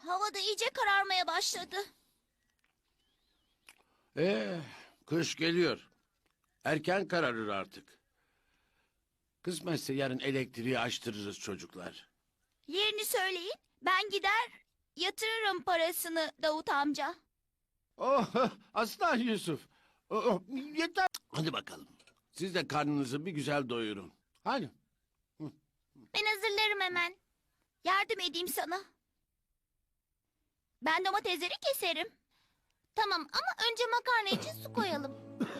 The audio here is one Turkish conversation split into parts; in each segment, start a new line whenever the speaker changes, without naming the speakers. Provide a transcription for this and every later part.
Hava da iyice kararmaya başladı.
Kış geliyor. Erken kararır artık. Kısmetse yarın elektriği açtırırız çocuklar.
Yerini söyleyin. Ben gider yatırırım parasını Davut amca.
Oh, aslan Yusuf. Yeter. Hadi bakalım. Siz de karnınızı bir güzel doyurun. Hadi.
Ben hazırlarım hemen. Yardım edeyim sana. Ben domatesleri keserim. Tamam ama önce makarna için su koyalım.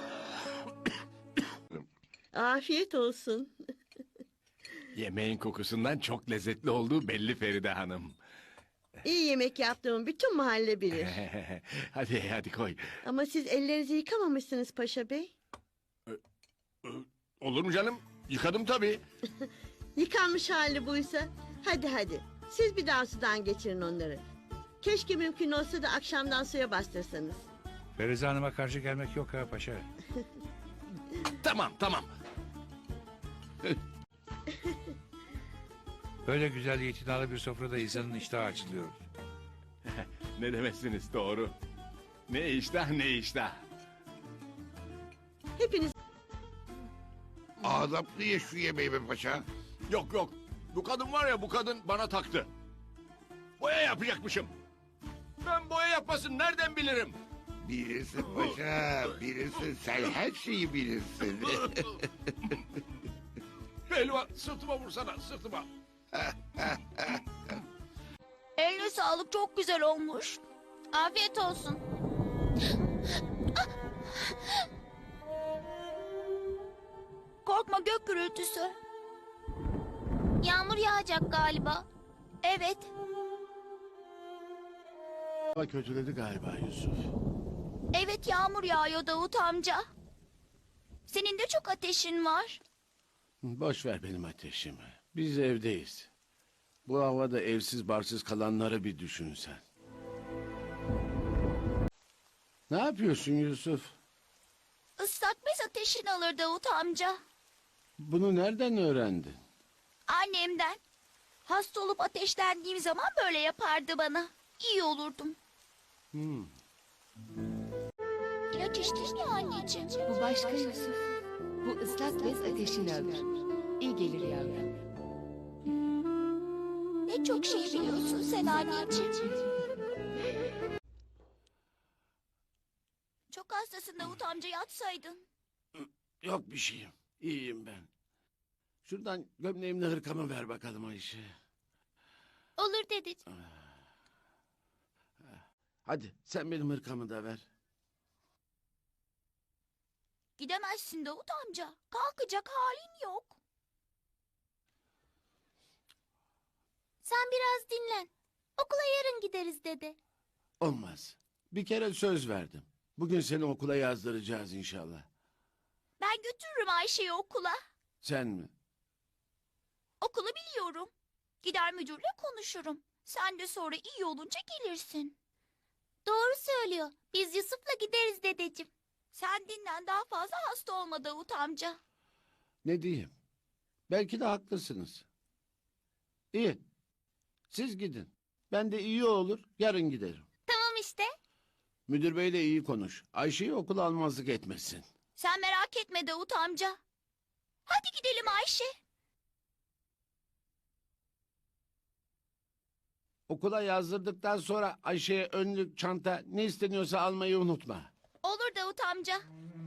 Afiyet olsun.
Yemeğin kokusundan çok lezzetli olduğu belli Feride Hanım.
İyi yemek yaptığımı bütün mahalle bilir.
Hadi koy.
Ama siz ellerinizi yıkamamışsınız Paşa Bey.
Olur mu canım? Yıkadım tabii.
Yıkanmış hali buysa. Hadi. Siz bir daha sudan geçirin onları. Keşke mümkün olsa da akşamdan suya bastırsanız.
Ferize Hanım'a karşı gelmek yok ha paşa.
Tamam.
Böyle güzel itinalı bir sofrada insanın iştahı açılıyor.
Ne demezsiniz doğru. Ne iştah.
Hepiniz
Adaplı ye şu yemeği be paşa.
Yok. Bu kadın var ya, bu kadın bana taktı. Boya yapacakmışım. Ben boya yapmasını nereden bilirim?
Bilirsin paşa, bilirsin. Sen her şeyi bilirsin.
Pehlivan, sırtıma vursana, sırtıma.
Eline sağlık, çok güzel olmuş. Afiyet olsun. Korkma, gök gürültüsü. Yağmur yağacak galiba. Evet.
Hava kötüledi galiba Yusuf.
Evet, yağmur yağıyor Davut amca. Senin de çok ateşin var.
Boş ver benim ateşimi. Biz evdeyiz. Bu havada evsiz barsız kalanları bir düşün sen. Ne yapıyorsun Yusuf?
Islak bez ateşin alır Davut amca.
Bunu nereden öğrendin?
Annemden. Hasta olup ateşlendiğim zaman böyle yapardı bana. İyi olurdum. İlaç içtin ya anneciğim.
Bu başka Yusuf. Bu ıslak bez ateşini alır. İyi gelir yavrum.
Ne çok şey biliyorsun sen anneciğim. Çok hastasın Davut amca, yatsaydın.
Yok bir şeyim. İyiyim ben. Şuradan gömleğimle hırkamı ver bakalım Ayşe.
Olur dedeciğim.
Hadi sen benim hırkamı da ver.
Gidemezsin Davut amca. Kalkacak halin yok. Sen biraz dinlen. Okula yarın gideriz dede.
Olmaz. Bir kere söz verdim. Bugün seni okula yazdıracağız inşallah.
Ben götürürüm Ayşe'yi okula.
Sen mi?
Okulu biliyorum. Gider müdürle konuşurum. Sen de sonra iyi olunca gelirsin. Doğru söylüyor. Biz Yusuf'la gideriz dedeciğim. Sen dinlen, daha fazla hasta olma Davut amca.
Ne diyeyim? Belki de haklısınız. İyi. Siz gidin. Ben de iyi olur yarın giderim.
Tamam işte.
Müdür beyle iyi konuş. Ayşe'yi okula almazlık etmesin.
Sen merak etme Davut amca. Hadi gidelim Ayşe.
Okula yazdırdıktan sonra Ayşe'ye önlük, çanta ne isteniyorsa almayı unutma.
Olur Davut amca.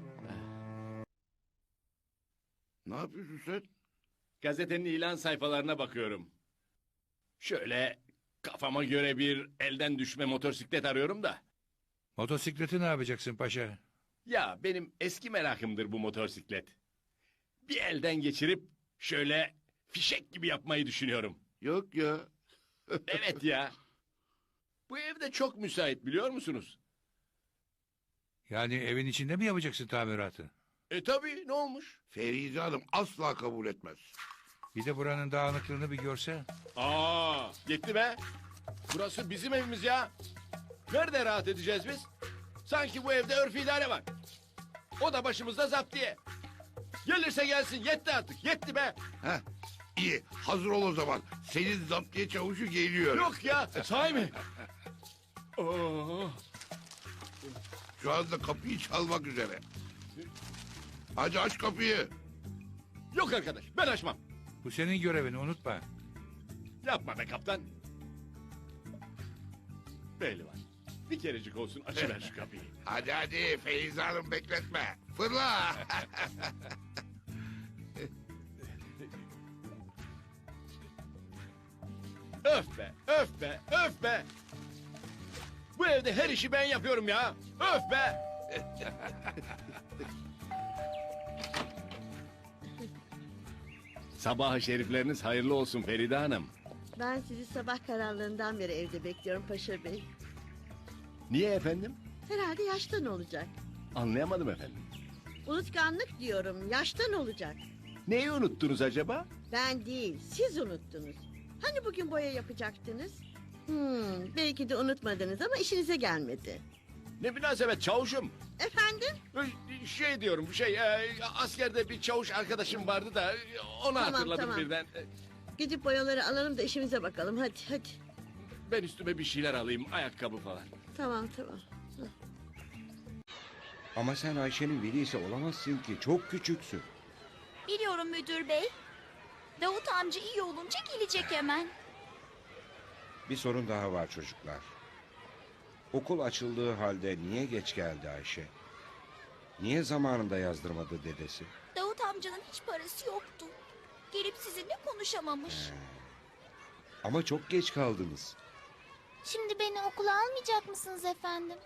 Ne yapıyorsun sen?
Gazetenin ilan sayfalarına bakıyorum. Şöyle kafama göre bir elden düşme motosiklet arıyorum da.
Motosikleti ne yapacaksın paşa?
Ya benim eski merakımdır bu motosiklet. Bir elden geçirip şöyle fişek gibi yapmayı düşünüyorum.
Yok ya.
Evet ya. Bu evde çok müsait, biliyor musunuz?
Yani evin içinde mi yapacaksın tamiratı?
Tabii, ne olmuş?
Ferize Hanım asla kabul etmez.
Bir de buranın dağınıklığını bir görse.
Yetti be. Burası bizim evimiz ya. Nerede rahat edeceğiz biz? Sanki bu evde örf idare var. O da başımızda zaptiye. Gelirse gelsin, yetti artık, yetti be.
Heh, İyi, hazır ol o zaman. Senin zaptiye çavuşu geliyor.
Yok ya, sahi mi? Oo.
Şu anda kapıyı çalmak üzere. Hadi aç kapıyı.
Yok arkadaş, ben açmam.
Bu senin görevin, unutma.
Yapma be kaptan. Belli var. Bir kerecik olsun açıver şu kapıyı.
Hadi hadi Feyza Hanım bekletme. Fırla.
Öf be, öf be, öf be. Bu evde her işi ben yapıyorum ya. Öf be. Sabah şerifleriniz hayırlı olsun Feride Hanım.
Ben sizi sabah karanlığından beri evde bekliyorum Paşa Bey.
Niye efendim?
Herhalde yaştan olacak.
Anlayamadım efendim.
Unutkanlık diyorum, yaştan olacak.
Neyi unuttunuz acaba?
Ben değil, siz unuttunuz. Hani bugün boya yapacaktınız? Belki de unutmadınız ama işinize gelmedi.
Ne münasebet çavuşum.
Efendim?
Şey diyorum askerde bir çavuş arkadaşım vardı da onu
Tamam,
hatırladım
tamam.
birden.
Gidip boyaları alalım da işimize bakalım. Hadi hadi.
Ben üstüme bir şeyler alayım ayakkabı falan.
Tamam tamam.
Ama sen Ayşe'nin velisi olamazsın ki. Çok küçüksün.
Biliyorum müdür bey. Davut amca iyi olunca gelecek hemen.
Bir sorun daha var çocuklar. Okul açıldığı halde niye geç geldi Ayşe? Niye zamanında yazdırmadı dedesi?
Davut amcanın hiç parası yoktu. Gelip sizinle konuşamamış.
Ama çok geç kaldınız.
Şimdi beni okula almayacak mısınız efendim?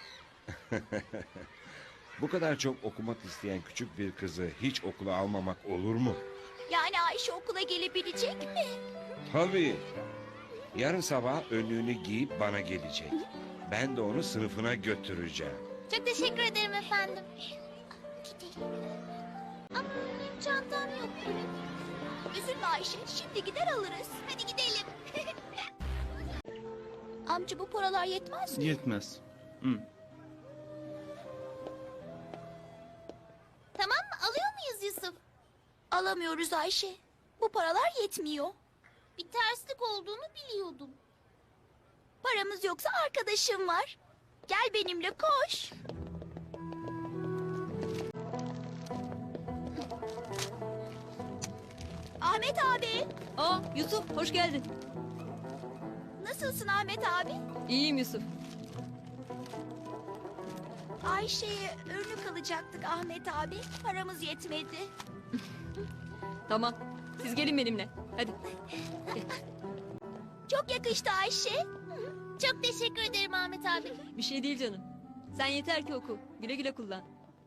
Bu kadar çok okumak isteyen küçük bir kızı hiç okula almamak olur mu?
Yani Ayşe okula gelebilecek mi?
Tabii. Yarın sabah önlüğünü giyip bana gelecek. Ben de onu sınıfına götüreceğim.
Çok teşekkür ederim efendim. Gidelim. Ama benim çantam yok. Üzülme Ayşe, şimdi gider alırız. Hadi gidelim. Amca bu paralar yetmez mi?
Yetmez.
Tamam mı? Alıyor muyuz Yusuf? Alamıyoruz Ayşe. Bu paralar yetmiyor. Bir terslik olduğunu biliyordum. Paramız yoksa arkadaşım var. Gel benimle koş. Ahmet abi.
Yusuf hoş geldin.
Nasılsın Ahmet abi?
İyiyim Yusuf.
Ayşe'ye önlük alacaktık Ahmet abi. Paramız yetmedi.
Tamam. Siz gelin benimle. Hadi.
Çok yakıştı Ayşe. Çok teşekkür ederim Ahmet abi.
Bir şey değil canım. Sen yeter ki oku. Güle güle kullan.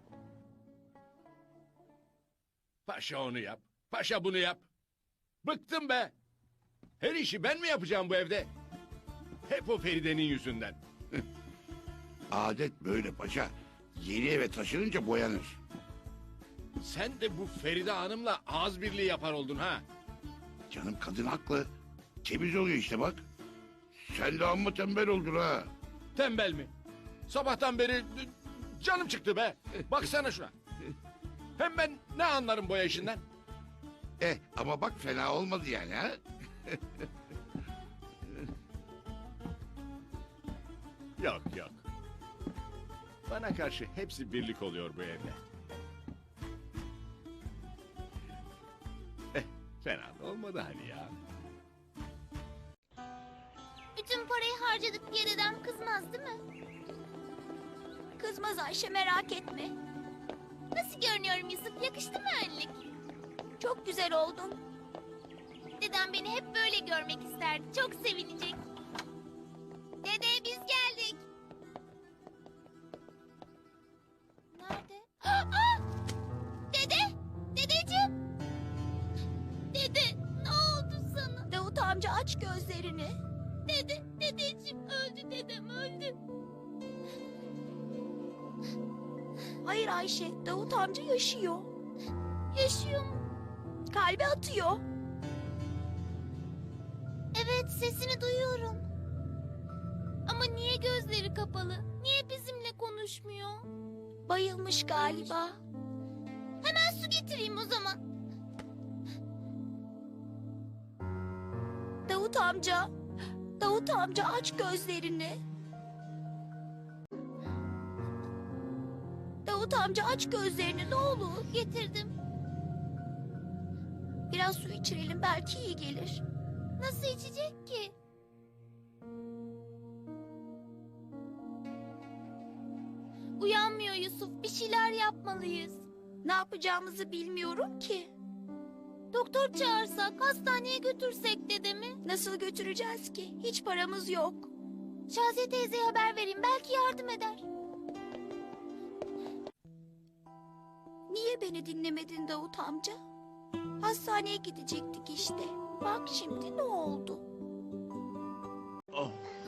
Paşa onu yap. Paşa bunu yap. Bıktım be. Her işi ben mi yapacağım bu evde? Hep o Feride'nin yüzünden.
Adet böyle paşa. Yeni eve taşınınca boyanır.
Sen de bu Feride Hanım'la ağız birliği yapar oldun ha.
Canım kadın haklı. Temiz oluyor işte bak. Sen de amma tembel oldun ha.
Tembel mi? Sabahtan beri canım çıktı be. Baksana şuna. Hem ben ne anlarım boya işinden?
Ama bak fena olmadı yani ha.
Yok yok. Bana karşı hepsi birlik oluyor bu evde. Fena da olmadı hani ya.
Bütün parayı harcadık diye dedem kızmaz değil mi? Kızmaz Ayşe merak etme. Nasıl görünüyorum Yusuf? Yakıştı mı önlük? Çok güzel oldun. Dedem beni hep böyle görmek isterdi. Çok sevinecek. Dede biz geldik. Nerede? Aa! Dede! Dedeciğim! Dede ne oldu sana? Davut amca aç gözlerini. Dedeciğim öldü dedem öldü. Hayır Ayşe, Davut amca yaşıyor. Yaşıyor mu? Kalbi atıyor. Evet, sesini duyuyorum. Ama niye gözleri kapalı? Niye bizimle konuşmuyor? Bayılmış galiba. Hemen su getireyim o zaman. Davut amca. Davut amca aç gözlerini. Davut amca aç gözlerini ne olur. Getirdim. Biraz su içirelim belki iyi gelir. Nasıl içecek ki? Uyanmıyor Yusuf. Bir şeyler yapmalıyız. Ne yapacağımızı bilmiyorum ki. Doktor çağırsak, hastaneye götürsek dedemi. Nasıl götüreceğiz ki? Hiç paramız yok. Şaziye teyzeye haber vereyim. Belki yardım eder. Niye beni dinlemedin Davut amca? Hastaneye gidecektik işte. Bak şimdi ne oldu?
Oh,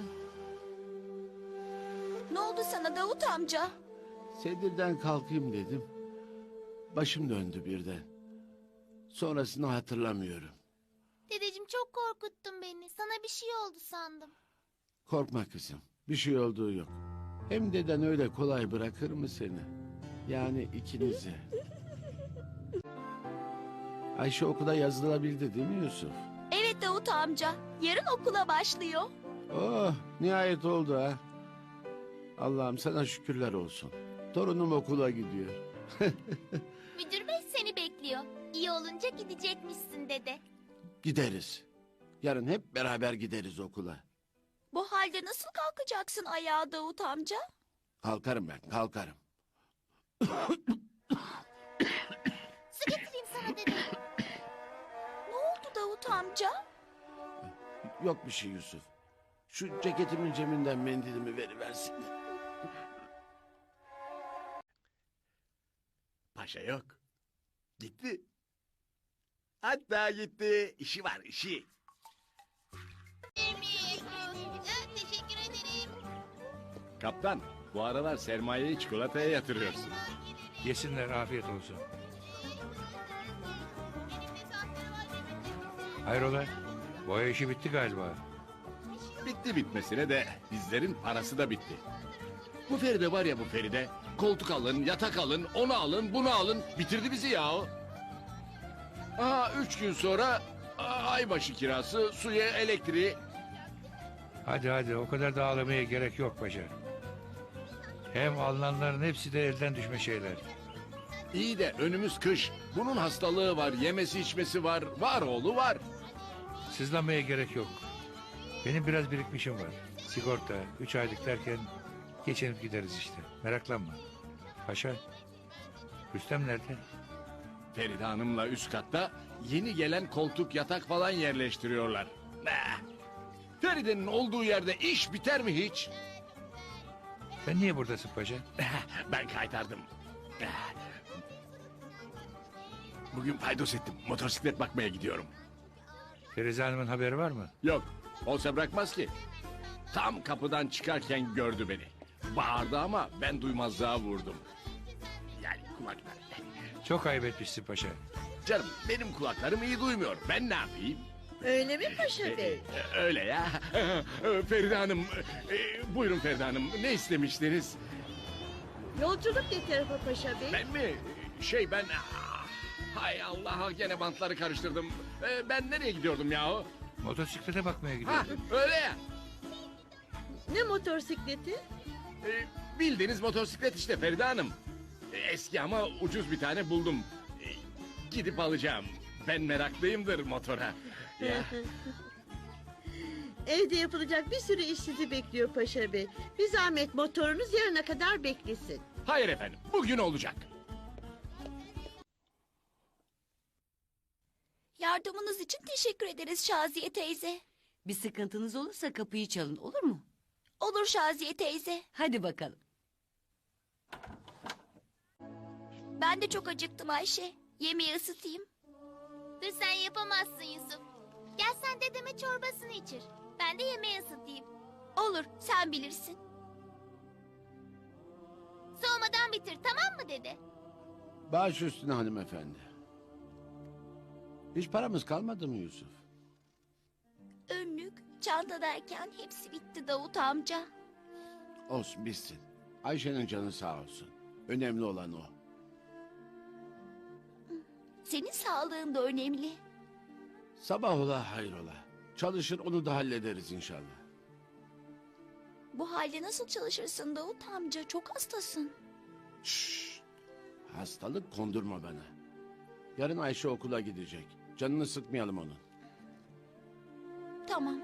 Ne oldu sana Davut amca?
sedirden kalkayım dedim. Başım döndü birden. Sonrasını hatırlamıyorum.
Dedeciğim çok korkuttun beni. Sana bir şey oldu sandım.
Korkma kızım. Bir şey olduğu yok. Hem deden öyle kolay bırakır mı seni? Yani ikinizi. Ayşe okula yazılabildi değil mi Yusuf?
Evet Davut amca. Yarın okula başlıyor.
Oh, nihayet oldu ha. Allah'ım sana şükürler olsun. Torunum okula gidiyor.
Müdür bey seni bekliyor. İyi olunca gidecekmişsin dede.
Gideriz. Yarın hep beraber gideriz okula.
Bu halde nasıl kalkacaksın ayağa Davut amca?
Kalkarım ben, kalkarım.
Su getireyim sana dede. Ne oldu Davut amca?
Yok bir şey Yusuf. Şu ceketimin ceminden mendilimi veriversin.
Paşa yok. Gitti. Hatta gitti. İşi var işi.
Teşekkür ederim.
Kaptan bu aralar sermayeyi çikolataya yatırıyorsun.
Yesinler, afiyet olsun. Hayrola? Boya işi bitti galiba.
Bitti bitmesine de bizlerin parası da bitti. Bu Feride var ya bu Feride. Koltuk alın, yatak alın, onu alın, bunu alın. Bitirdi bizi yahu. Aa 3 gün sonra aybaşı kirası, suya, elektriği.
Hadi hadi, o kadar da ağlamaya gerek yok paşa. Hem alınanların hepsi de elden düşme şeyler.
İyi de önümüz kış. Bunun hastalığı var, yemesi içmesi var. Var oğlu var.
Sızlanmaya gerek yok. Benim biraz birikmişim var. Sigorta, 3 aylık derken geçinip gideriz işte. Meraklanma. Paşa, Rüstem nerede?
Feride Hanım'la üst katta yeni gelen koltuk, yatak falan yerleştiriyorlar. Feride'nin olduğu yerde iş biter mi hiç?
Sen niye buradasın paşa?
Ben kaytardım. Bugün paydos ettim. Motosiklet bakmaya gidiyorum.
Ferize Hanım'ın haberi var mı?
Yok, olsa bırakmaz ki. Tam kapıdan çıkarken gördü beni. Bağırdı ama ben duymazlığa vurdum. Yani kulaklar.
Çok ayıp etmişsin paşa.
Canım benim kulaklarım iyi duymuyor. Ben ne yapayım?
Öyle mi Paşa Bey?
Öyle ya. Feride Hanım. Buyurun Feride Hanım. Ne istemiştiniz?
Yolculuk ne tarafa Paşa Bey?
Ben mi? Hay Allah gene bantları karıştırdım. Ben nereye gidiyordum yahu?
Motosiklete bakmaya
Ha
gidiyorum.
öyle ya.
Ne motorsikleti?
Bildiğiniz motosiklet işte Feride Hanım. Eski ama ucuz bir tane buldum. Gidip alacağım. Ben meraklıyımdır motora. Ya.
Evde yapılacak bir sürü iş sizi bekliyor Paşa Bey. Bir zahmet motorunuz yarına kadar beklesin.
Hayır efendim bugün olacak.
Yardımınız için teşekkür ederiz Şaziye teyze.
Bir sıkıntınız olursa kapıyı çalın, olur mu?
Olur Şaziye teyze.
Hadi bakalım.
Ben de çok acıktım Ayşe. Yemeği ısıtayım. Dur sen yapamazsın Yusuf. Gel sen dedeme çorbasını içir. Ben de yemeği ısıtayım. Olur sen bilirsin. Soğumadan bitir tamam mı dede?
Baş üstüne hanımefendi. Hiç paramız kalmadı mı Yusuf?
Önlük, çanta derken hepsi bitti Davut amca.
Olsun bitsin. Ayşe'nin canı sağ olsun. Önemli olan o.
Senin sağlığın da önemli.
Sabah ola hayrola. Çalışır onu da hallederiz inşallah.
Bu halde nasıl çalışırsın Davut amca? Çok hastasın.
Şşş. Hastalık kondurma bana. Yarın Ayşe okula gidecek. Canını sıkmayalım onun.
Tamam.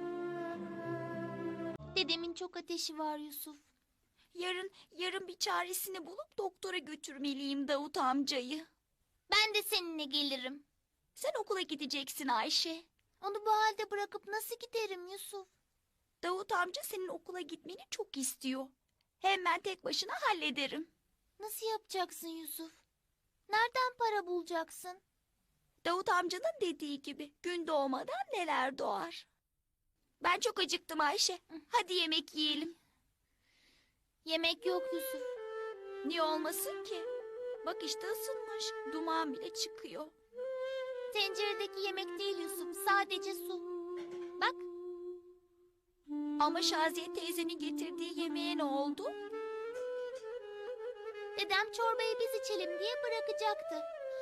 Dedemin çok ateşi var Yusuf. Yarın bir çaresini bulup doktora götürmeliyim Davut amcayı. Ben de seninle gelirim. Sen okula gideceksin Ayşe. Onu bu halde bırakıp nasıl giderim Yusuf? Davut amca senin okula gitmeni çok istiyor. Hem ben tek başına hallederim. Nasıl yapacaksın Yusuf? Nereden para bulacaksın? Davut amcanın dediği gibi gün doğmadan neler doğar. Ben çok acıktım Ayşe. Hadi yemek yiyelim. Yemek yok Yusuf. Niye olmasın ki? Bak işte ısınmış. Duman bile çıkıyor. Tenceredeki yemek değil Yusuf. Sadece su. Bak. Ama Şaziye teyzenin getirdiği yemeğe ne oldu? Dedem çorbayı biz içelim diye bırakacaktı.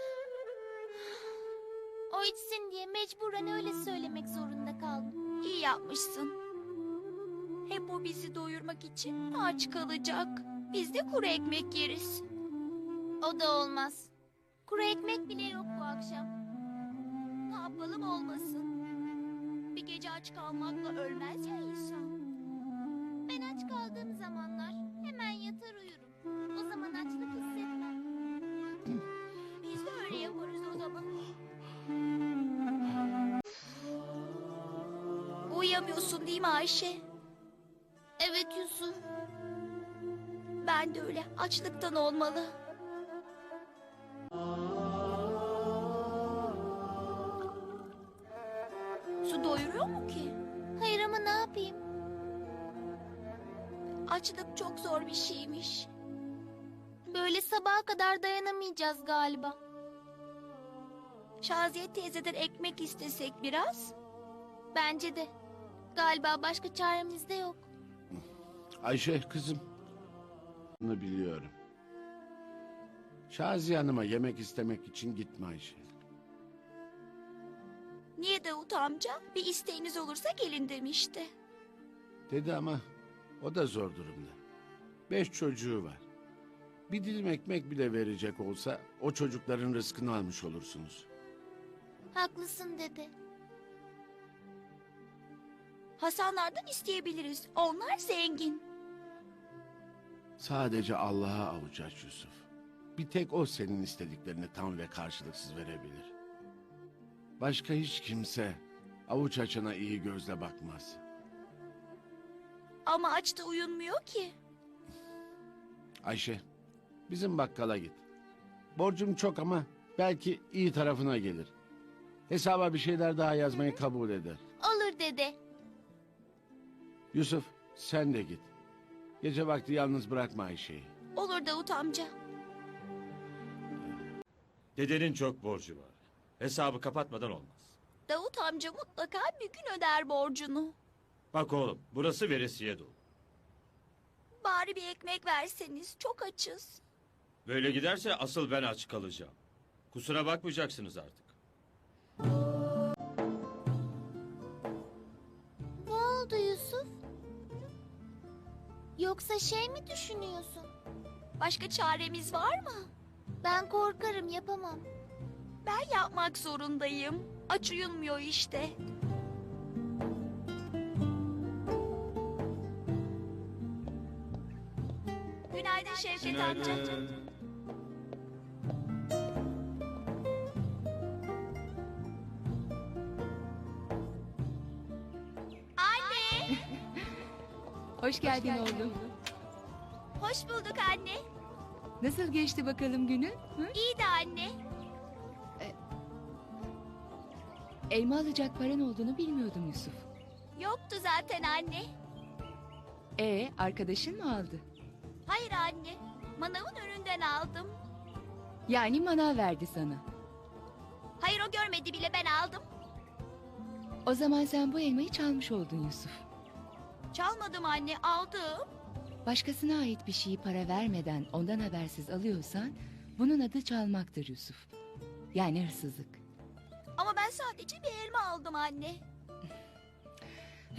O içsin diye mecburen öyle söylemek zorunda kaldım. İyi yapmışsın. Hep o bizi doyurmak için aç kalacak. Biz de kuru ekmek yeriz. O da olmaz. Kuru ekmek bile yok bu akşam. Ne yapalım olmasın. Bir gece aç kalmakla ölmez ya insan. Ben aç kaldığım zamanlar hemen yatar uyurum. O zaman açlık hissetmem. Biz de öyle yaparız o zaman. Uyuyamıyorsun değil mi Ayşe? Evet Yusuf. Ben de öyle. Açlıktan olmalı. Su doyuruyor mu ki? Hayır ama ne yapayım? Açlık çok zor bir şeymiş. Böyle sabaha kadar dayanamayacağız galiba. Şaziye teyzeden ekmek istesek biraz. Bence de. Galiba başka çaremiz de yok.
Ayşe kızım. Bunu biliyorum. Şaziye Hanım'a yemek istemek için gitme Ayşe.
Niye Davut amca? Bir isteğiniz olursa gelin demişti.
Dedi ama o da zor durumda. 5 çocuğu var. Bir dilim ekmek bile verecek olsa o çocukların rızkını almış olursunuz.
Haklısın dede. Hasanlardan isteyebiliriz. Onlar zengin.
Sadece Allah'a avuç aç Yusuf. Bir tek o senin istediklerini tam ve karşılıksız verebilir. Başka hiç kimse avuç açana iyi gözle bakmaz.
Ama açta uyunmuyor ki.
Ayşe, bizim bakkala git. Borcum çok ama belki iyi tarafına gelir. Hesaba bir şeyler daha yazmayı kabul eder.
Olur dede.
Yusuf, sen de git. Gece vakti yalnız bırakma Ayşe'yi.
Olur Davut amca.
Dedenin çok borcu var. Hesabı kapatmadan olmaz.
Davut amca mutlaka bir gün öder borcunu.
Bak oğlum, burası veresiye dolu.
Bari bir ekmek verseniz. Çok açız.
Böyle giderse asıl ben aç kalacağım. Kusura bakmayacaksınız artık.
Ne oldu Yusuf? Yoksa şey mi düşünüyorsun? Başka çaremiz var mı? Ben korkarım yapamam. Ben yapmak zorundayım. Aç uyunmuyor işte. Günaydın Şevket amca. Anne!
Hoş geldin oğlum.
Hoş bulduk anne.
Nasıl geçti bakalım günün? Hı?
İyi de anne.
Elma alacak paran olduğunu bilmiyordum Yusuf.
Yoktu zaten anne.
Arkadaşın mı aldı?
Hayır anne. Manavın önünden aldım.
Yani manav verdi sana.
Hayır o görmedi bile ben aldım.
O zaman sen bu elmayı çalmış oldun Yusuf.
Çalmadım anne aldım.
Başkasına ait bir şeyi para vermeden ondan habersiz alıyorsan bunun adı çalmaktır Yusuf. Yani hırsızlık.
Ama ben sadece bir elma aldım anne.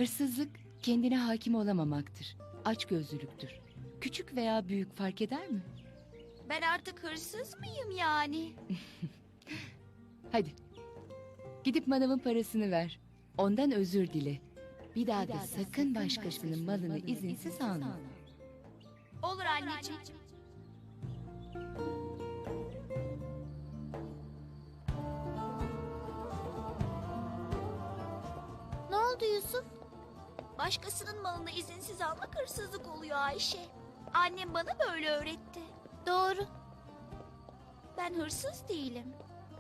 Hırsızlık kendine hakim olamamaktır. Açgözlülüktür. Küçük veya büyük fark eder mi?
Ben artık hırsız mıyım yani?
Hadi. Gidip manavın parasını ver. Ondan özür dile. Bir daha da sakın başkasının malını izinsiz alma.
Olur anneciğim. Ne oldu Yusuf? Başkasının malını izinsiz almak hırsızlık oluyor Ayşe. Annem bana böyle öğretti. Doğru. Ben hırsız değilim.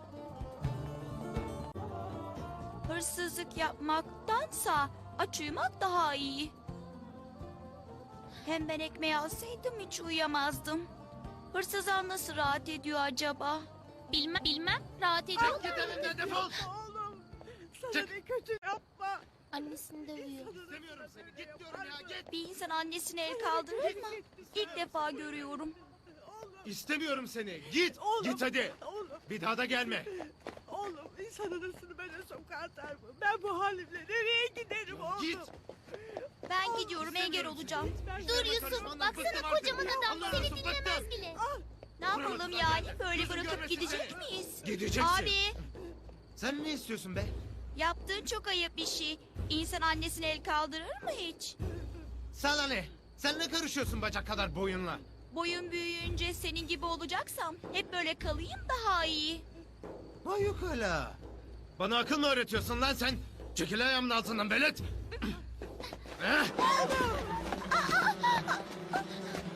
Hırsızlık yapmaktansa aç uyumak daha iyi. Hem ben ekmeği alsaydım hiç uyuyamazdım. Hırsızlar nasıl rahat ediyor acaba? Bilmem. Rahat ediyor.
Git evinden defol.
Sana ne kötü yapma.
Annesini dövüyor.
İstemiyorum seni. Git diyorum ya git.
Bir insan annesine el kaldırır mı? İlk defa görüyorum.
İstemiyorum seni. Git. Git hadi.
Bir daha da gelme.
Oğlum insan anasını böyle sokağa atar mı? Ben bu halimle nereye giderim oğlum?
Git.
Ben gidiyorum engel olacağım. Dur Yusuf baksana kocaman adam seni dinlemez bile. Ne yapalım yani böyle bırakıp gidecek miyiz?
Gideceksin.
Abi
Sen ne istiyorsun be?
yaptığın çok ayıp bir şey. İnsan annesine el kaldırır mı hiç?
Sana ne? Sen ne karışıyorsun bacak kadar boyunla?
Boyun büyüyünce senin gibi olacaksam hep böyle kalayım daha iyi.
Vay yok hala. Bana akıl mı öğretiyorsun lan sen? Çekil ayağımın altından velet.